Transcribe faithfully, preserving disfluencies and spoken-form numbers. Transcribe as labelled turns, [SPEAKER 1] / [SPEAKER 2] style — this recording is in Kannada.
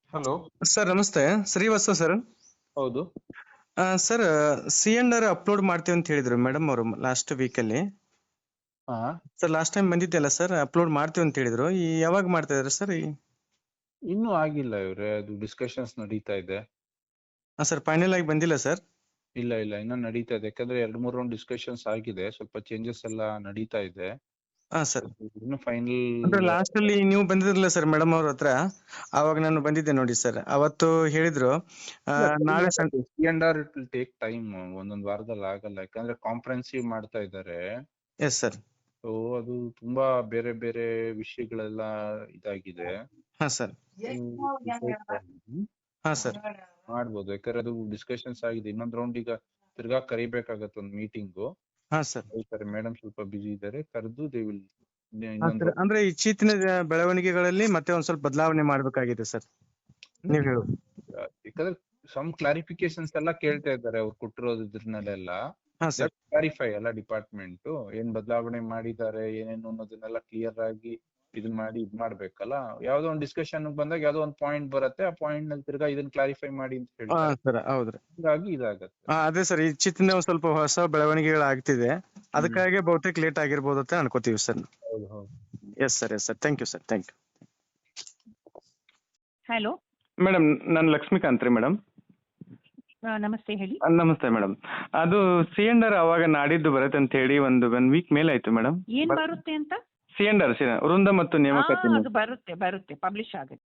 [SPEAKER 1] ಹಲೋ.
[SPEAKER 2] ಸರ್ ನಮಸ್ತೆ, ಶ್ರೀವತ್ಸ ಸರ್.
[SPEAKER 1] ಹೌದು.
[SPEAKER 2] ಆ, sir C and R upload ಮಾಡ್ತೀವಿ ಅಂತ ಹೇಳಿದ್ರು ಮೇಡಮ್ ಅವರು ಲಾಸ್ಟ್ ವೀಕಲ್ಲಿ.
[SPEAKER 1] ಹಾ.
[SPEAKER 2] ಸರ್ ಲಾಸ್ಟ್ ಟೈಮ್ ಬಂದಿದ್ದೆಲ್ಲ ಸರ್, ಅಪ್ಲೋಡ್ ಮಾಡ್ತೀವಿ ಅಂತ ಹೇಳಿದ್ರು. ಈ ಯಾವಾಗ ಮಾಡ್ತಾ ಇದಾರೆ ಸರ್? ಈ
[SPEAKER 1] ಇನ್ನೂ ಆಗಿಲ್ಲ ಇವ್ರೆ, ಅದು ಡಿಸ್ಕಷನ್ಸ್ ನಡೀತಾ ಇದೆ.
[SPEAKER 2] ಹಾಂ ಸರ್, ಫೈನಲ್ ಆಗಿ ಬಂದಿಲ್ಲ ಸರ್?
[SPEAKER 1] ಇಲ್ಲ ಇಲ್ಲ ಇನ್ನೂ ನಡೀತಾ ಇದೆ, ಯಾಕಂದ್ರೆ ಎರಡು ಮೂರು ರೌಂಡ್ ಡಿಸ್ಕಷನ್ಸ್ ಆಗಿದೆ, ಸ್ವಲ್ಪ ಚೇಂಜಸ್ ಎಲ್ಲ ನಡೀತಾ ಇದೆ.
[SPEAKER 2] ಹಾಂ ಸರ್.
[SPEAKER 1] ಇನ್ನು ಫೈನಲ್.
[SPEAKER 2] ಅಂದ್ರೆ ಲಾಸ್ಟ್ ಅಲ್ಲಿ ನೀವು ಬಂದಿದ್ರಲ್ಲ ಸರ್ ಮೇಡಮ್ ಅವ್ರ ಹತ್ರ, ಅವಾಗ ನಾನು ಬಂದಿದ್ದೆ ನೋಡಿ ಸರ್. ಅವತ್ತು ಹೇಳಿದ್ರು ಆ, ನಾಳೆ ಸಂ
[SPEAKER 1] C and R it will take time, ಒಂದೊಂದು ವಾರದಲ್ಲಿ ಆಗಲ್ಲ, ಯಾಕಂದ್ರೆ ಕಾಂಪ್ರಹೆನ್ಸಿವ್ ಮಾಡ್ತಾ ಇದ್ದಾರೆ.
[SPEAKER 2] Yes sir.
[SPEAKER 1] ಸೊ ಅದು ತುಂಬಾ ಬೇರೆ ಬೇರೆ ವಿಷಯಗಳೆಲ್ಲ ಇದಾಗಿದೆ.
[SPEAKER 2] ಹಾಂ ಸರ್.
[SPEAKER 1] ಹ್ಮ್.
[SPEAKER 2] ಹಾಂ ಸರ್.
[SPEAKER 1] ಮಾಡ್ಬೋದು, ಯಾಕಂದ್ರೆ ಅದು ಡಿಸ್ಕಷನ್ಸ್ ಆಗಿದೆ. ಇನ್ನೊಂದ್ ರೌಂಡ್ ಈಗ ತಿರ್ಗಾ ಕರಿಬೇಕಾಗತ್ತೆ ಒಂದು ಮೀಟಿಂಗು.
[SPEAKER 2] ಹಾಂ ಸರ್.
[SPEAKER 1] ಹೇಳ್ತಾರೆ ಮೇಡಮ್ ಸ್ವಲ್ಪ ಬಿಸಿ ಇದ್ದಾರೆ, ಕರೆದು ದೇ ವಿಲ್
[SPEAKER 2] ಹಾಂ
[SPEAKER 1] ಇನ್ನೊಂದು
[SPEAKER 2] ಸರ್, ಅಂದ್ರೆ ಇತ್ತೀಚಿನ ಬೆಳವಣಿಗೆಗಳಲ್ಲಿ ಮತ್ತೆ ಒಂದ್ ಸ್ವಲ್ಪ ಬದಲಾವಣೆ ಮಾಡ್ಬೇಕಾಗಿದೆ ಸರ್, ನೀವ್ ಹೇಳು.
[SPEAKER 1] ಯಾಕಂದ್ರೆ ಸಮ್ ಕ್ಲಾರಿಫಿಕೇಶನ್ಸ್ ಎಲ್ಲ ಕೇಳ್ತಾ ಇದ್ದಾರೆ ಅವ್ರು ಕೊಟ್ಟಿರೋದ್ರನ್ನೆಲ್ಲ.
[SPEAKER 2] ಹಾಂ ಸರ್.
[SPEAKER 1] ಕ್ಲಾರಿಫೈ ಎಲ್ಲ ಡಿಪಾರ್ಟ್ಮೆಂಟ್ ಏನ್ ಬದಲಾವಣೆ ಮಾಡಿದ್ದಾರೆ ಏನೇನು ಅನ್ನೋದನ್ನೆಲ್ಲ ಕ್ಲಿಯರ್ ಆಗಿ ಇದನ್ ಮಾಡಿ ಇದ್ ಮಾಡ್ಬೇಕಲ್ಲ. ಯಾವ್ದೋ ಒಂದು ಡಿಸ್ಕಷನ್ ಬಂದಾಗ ಯಾವ್ದೋ ಒಂದು ಪಾಯಿಂಟ್ ಬರುತ್ತೆ, ಆ ಪಾಯಿಂಟ್ ನಲ್ಲಿ ತಿರ್ಗಾ ಇದನ್ನ ಕ್ಲಾರಿಫೈ ಮಾಡಿ ಅಂತ
[SPEAKER 2] ಹಾಂ
[SPEAKER 1] ಹೇಳ್ತಾರೆ.
[SPEAKER 2] ಸರ್, ಹೌದ್ರಿ.
[SPEAKER 1] ಹೀಗಾಗಿ ಇದಾಗತ್ತೆ.
[SPEAKER 2] ಹಾ, ಅದೇ ಸರ್, ಇತ್ತೀಚಿನ ಒಂದ್ ಸ್ವಲ್ಪ ಹೊಸ ಬೆಳವಣಿಗೆಗಳಾಗ್ತಿದೆ, ಅದಕ್ಕಾಗಿ ಬಹುತೇಕ ಲೇಟ್ ಆಗಿರ್ಬೋದು ಅಂತ ಅನ್ಕೋತೀವಿ ಸರ್.
[SPEAKER 1] ಹೌದು ಹೌದು.
[SPEAKER 2] Yes sir, yes sir, thank you sir, thank you.
[SPEAKER 3] Hello,
[SPEAKER 2] madam, ನಾನು ಲಕ್ಷ್ಮೀಕಾಂತ್ ರೀ ಮೇಡಮ್.
[SPEAKER 3] ನಮಸ್ತೆ, ಹೇಳಿ.
[SPEAKER 2] ನಮಸ್ತೆ ಮೇಡಮ್. ಅದು ಸಿ ಅಂಡ್ ಆರ್ ಅವಾಗ ನಾಡಿದ್ದು ಬರುತ್ತೆ ಅಂತ ಹೇಳಿ ಒಂದು ಒನ್ ವೀಕ್ ಮೇಲೆ ಆಯ್ತು ಮೇಡಮ್.
[SPEAKER 3] ಏನ್ ಬರುತ್ತೆ ಅಂತ?
[SPEAKER 2] ಸಿ ಅಂಡ್ ಆರ್ ಸಿ ವೃಂದ ಮತ್ತು
[SPEAKER 3] ಆ,
[SPEAKER 2] ನೇಮಕಾತಿ.
[SPEAKER 3] ಅದು ಬರುತ್ತೆ ಬರುತ್ತೆ ಪಬ್ಲಿಷ್ ಆಗುತ್ತೆ.